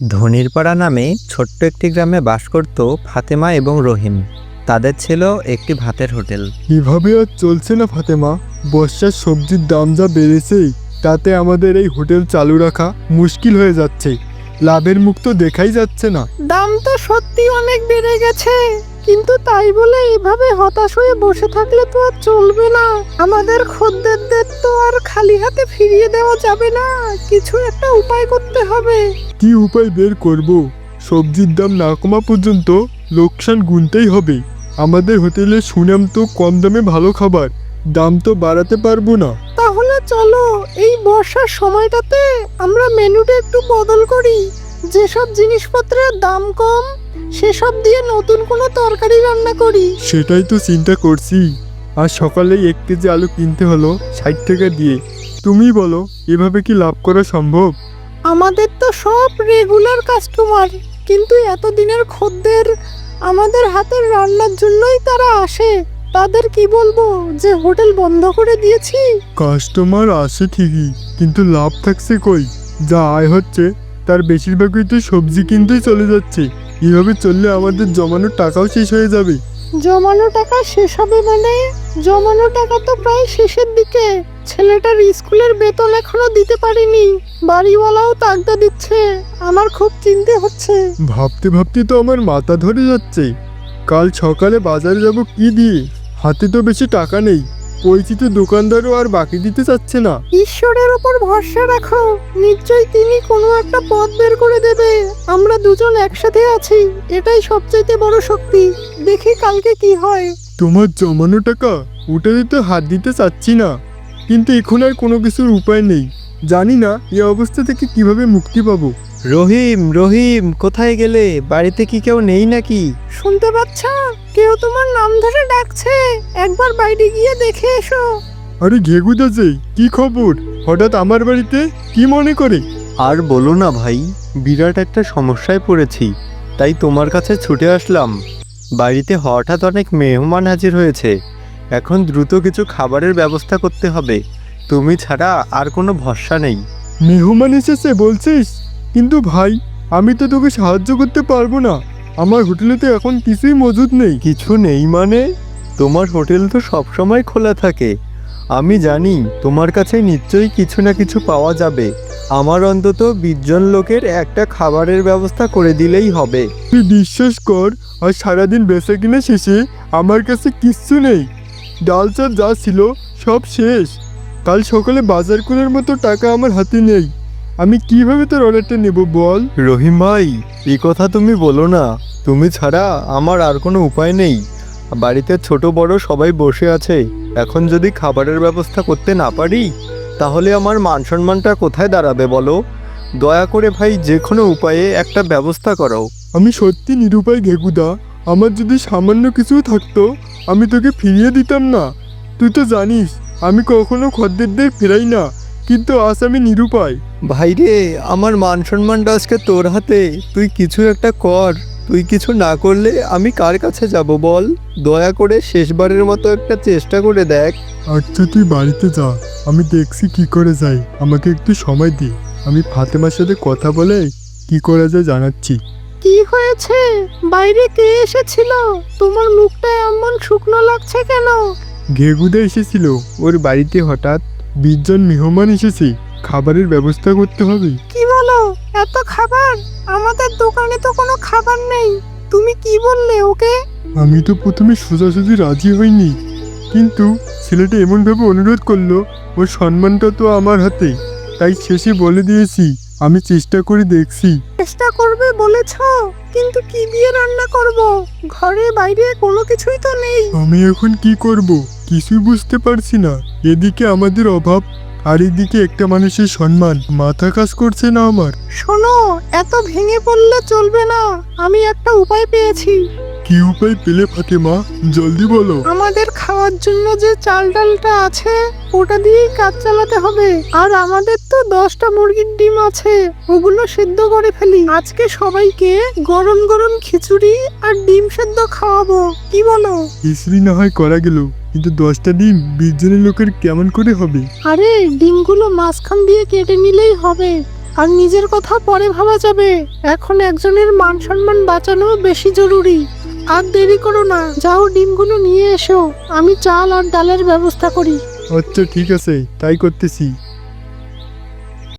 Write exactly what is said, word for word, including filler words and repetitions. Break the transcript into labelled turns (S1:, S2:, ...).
S1: ধনিরপাড়া নামে ছোট্ট একটি গ্রামে বাস করত ফাতেমা এবং রহিম। তাদের ছিল একটি ভাতের হোটেল।
S2: এভাবে আর চলছে না ফাতেমা। বর্ষার সবজির দাম যা বেড়েছে, তাতে আমাদের এই হোটেল চালু রাখা মুশকিল হয়ে যাচ্ছে। লাভের মুখ তো দেখাই যাচ্ছে না।
S3: দাম তো সত্যি অনেক বেড়ে গেছে, কিন্তু তাই বলে এভাবে হতাশ হয়ে বসে থাকলে তো আর চলবে না। আমাদের খদ্দেরদের তো আর খালি হাতে ফিরিয়ে দেওয়া যাবে না, কিছু একটা উপায় করতে হবে।
S2: কি উপায় বের করব? সবজির দাম না কমা পর্যন্ত লোকসান গুনতেই হবে। আমাদের হোটেলের সুনাম তো কম দামে ভালো খাবার, দাম তো বাড়াতে পারবো না।
S3: তাহলে চলো এই বর্ষার সময়টাতে আমরা মেনুটা একটু বদল করি। যেসব জিনিসপত্রের দাম কম সেসব দিয়ে নতুন কোনো তরকারি রান্না করি।
S2: সেটাই তো চিন্তা করছি। আর সকালেই এক কেজি আলু কিনতে হলো ষাট টাকা দিয়ে। তুমি বলো, এভাবে কি লাভ করা সম্ভব?
S3: আমাদের তো সব রেগুলার কাস্টমার, কিন্তু এতদিনের খদ্দের আমাদের হাতের রান্নার জন্যই তারা আসে। তাদের কি বলবো যে হোটেল বন্ধ করে দিয়েছি?
S2: কাস্টমার আসে ঠিকই, কিন্তু লাভ থাকছে কই? যা আয় হচ্ছে তার বেশিরভাগই তো সবজি কিনতেই চলে যাচ্ছে। এভাবে চললে আমাদের জমানো টাকাও শেষ হয়ে যাবে।
S3: জমানো টাকা শেষ হবে মানে? জমানো টাকা তো প্রায় শেষের দিকে। ছেলেটার স্কুলের বেতন এখনো দিতে পারিনি, বাড়িওয়ালাও তাগদা দিচ্ছে। আমার খুব চিন্তা হচ্ছে।
S2: ভাবতে ভাবতে তো আমার মাথা ধরে যাচ্ছে। কাল সকালে বাজারে যাব কি দিয়ে? হাতে তো বেশি টাকা নেই। পরিচিত দোকানদারও আর বাকি দিতে চাচ্ছে না।
S3: ঈশ্বরের ওপর ভরসা রাখো, নিশ্চয়ই তিনি কোনো একটা পথ বের করে দেবে। আমরা দুজন একসাথে আছি, এটাই সবচাইতে বড় শক্তি। দেখি কালকে কি হয়।
S2: তোমার জমানো টাকা ওটাতে তো হাত দিতে চাচ্ছি না, কিন্তু এখন আর কোনো কিছুর উপায় নেই। জানি না এই অবস্থা থেকে কিভাবে মুক্তি পাবো।
S1: রহিম রহিম কোথায় গেলে? বাড়িতে কি কেউ নেই নাকি?
S3: শুনতে পাচ্ছ? কেউ তোমার নাম ধরে ডাকছে, একবার বাইরে গিয়ে দেখে এসো।
S2: আরে ঘেগুদা যে, কি খবর? হঠাৎ আমার বাড়িতে কি মনে করে?
S1: আর বলো না ভাই, বিরাট একটা সমস্যায় পড়েছি, তাই তোমার কাছে ছুটে আসলাম। বাড়িতে হঠাৎ অনেক মেহমান হাজির হয়েছে, এখন দ্রুত কিছু খাবারের ব্যবস্থা করতে হবে। তুমি ছাড়া আর কোনো ভরসা নেই।
S2: মেহমান এসেছে বলছিস? কিন্তু ভাই, আমি তো তোকে সাহায্য করতে পারবো না। আমার হোটেলে তো এখন কিছুই মজুদ নেই।
S1: কিছু নেই মানে? তোমার হোটেল তো সবসময় খোলা থাকে। আমি জানি তোমার কাছে নিশ্চয়ই কিছু না কিছু পাওয়া যাবে। আমার অন্তত বিশ জন লোকের একটা খাবারের ব্যবস্থা করে দিলেই হবে।
S2: তুই বিশ্বাস কর, আর সারাদিন বেচা কিনা শেষে আমার কাছে কিচ্ছু নেই। ডাল চাল যা ছিল সব শেষ। কাল সকালে বাজার করার মতো টাকা আমার হাতে নেই। আমি কিভাবে তোর অর্ডারটা নেব বল?
S1: রহিম ভাই, এই কথা তুমি বলো না। তুমি ছাড়া আমার আর কোনো উপায় নেই। বাড়িতে ছোট বড় সবাই বসে আছে। এখন যদি খাবারের ব্যবস্থা করতে না পারি, তাহলে আমার মান সম্মানটা কোথায় দাঁড়াবে বলো? দয়া করে ভাই যে কোনো উপায়ে একটা ব্যবস্থা করো।
S2: আমি সত্যি নিরুপায় ঘেগুদা। আমার যদি সামান্য কিছু থাকতো আমি তোকে ফিরিয়ে দিতাম না। তুই তো জানিস আমি কখনো খদ্দেরদের ফেরাই না, কিন্তু আজ আমি নিরুপায়।
S1: ভাই রে, আমার মান সম্মানটা আজকে তোর হাতে। তুই কিছু একটা কর। তুই কিছু না করলে আমি কার কাছে যাব বল? দয়া করে শেষবারের মতো একটা চেষ্টা করে দেখ।
S2: আচ্ছা তুই বাড়িতে যা, আমি দেখছি কি করে যাই। আমাকে একটু সময় দে, আমি ফাতেমার সাথে কথা বলে কি করা যায় জানাচ্ছি।
S3: কি হয়েছে? বাইরে কে এসেছিল? তোমার মুখটা এমন শুকনো লাগছে কেন?
S2: ঘেগুদা এসেছিল, ওর বাড়িতে হঠাৎ বিশ জন মেহমান এসেছে। খাবারের ব্যবস্থা করতে হবে।
S3: কি বলো? এত খাবার? আমাদের দোকানে তো কোনো খাবার নেই। তুমি কি বললে ওকে?
S2: আমি তো প্রথমে সোজাসুজি রাজি হইনি, কিন্তু ছেলেটা এমনভাবে অনুরোধ করলো, ওর সম্মানটা তো আমার হাতে। তাই শেষে বলে দিয়েছি আমি চেষ্টা করে দেখছি।
S3: চেষ্টা করবে বলেছ, কিন্তু কি দিয়ে রান্না করব? ঘরে বাইরে কোনো কিছুই তো নেই।
S2: আমি এখন কি করব কিছুই বুঝতে পারছি না। এদিকে আমাদের অভাব, আর এদিকে একটা মানুষের সম্মান। মাথা কাজ করছে না আমার।
S3: শোনো, এত ভেঙে পড়লে চলবে না। আমি একটা উপায় পেয়েছি।
S2: কি উপায় পেলে ফাতেমা? জলদি বলো।
S3: আমাদের খাওয়ার জন্য যে চাল ডালটা আছে ওটা দিয়েই কাজ চালাতে হবে। আর আমাদের তো দশটা মুরগির ডিম আছে, ওগুলো সেদ্ধ করে ফেলি। আজকে সবাইকে গরম গরম খিচুড়ি আর ডিম সেদ্ধ খাওয়াবো, কি বলো?
S2: খিচড়ি না হয় করা গেল, কিন্তু দশটা ডিম বিশ জনের লোকের কেমন করে হবে?
S3: আরে ডিমগুলো মাঝখান দিয়ে কেটে নিলেই হবে। আর নিজের কথা পরে ভাবা যাবে। এখন একজনের মান সম্মান বাঁচানো বেশি জরুরি। আর দেরি করো না, যাও ডিমগুলো নিয়ে এসো, আমি চাল আর ডালের ব্যবস্থা করি।
S2: আচ্ছা ঠিক আছে, তাই করতেছি।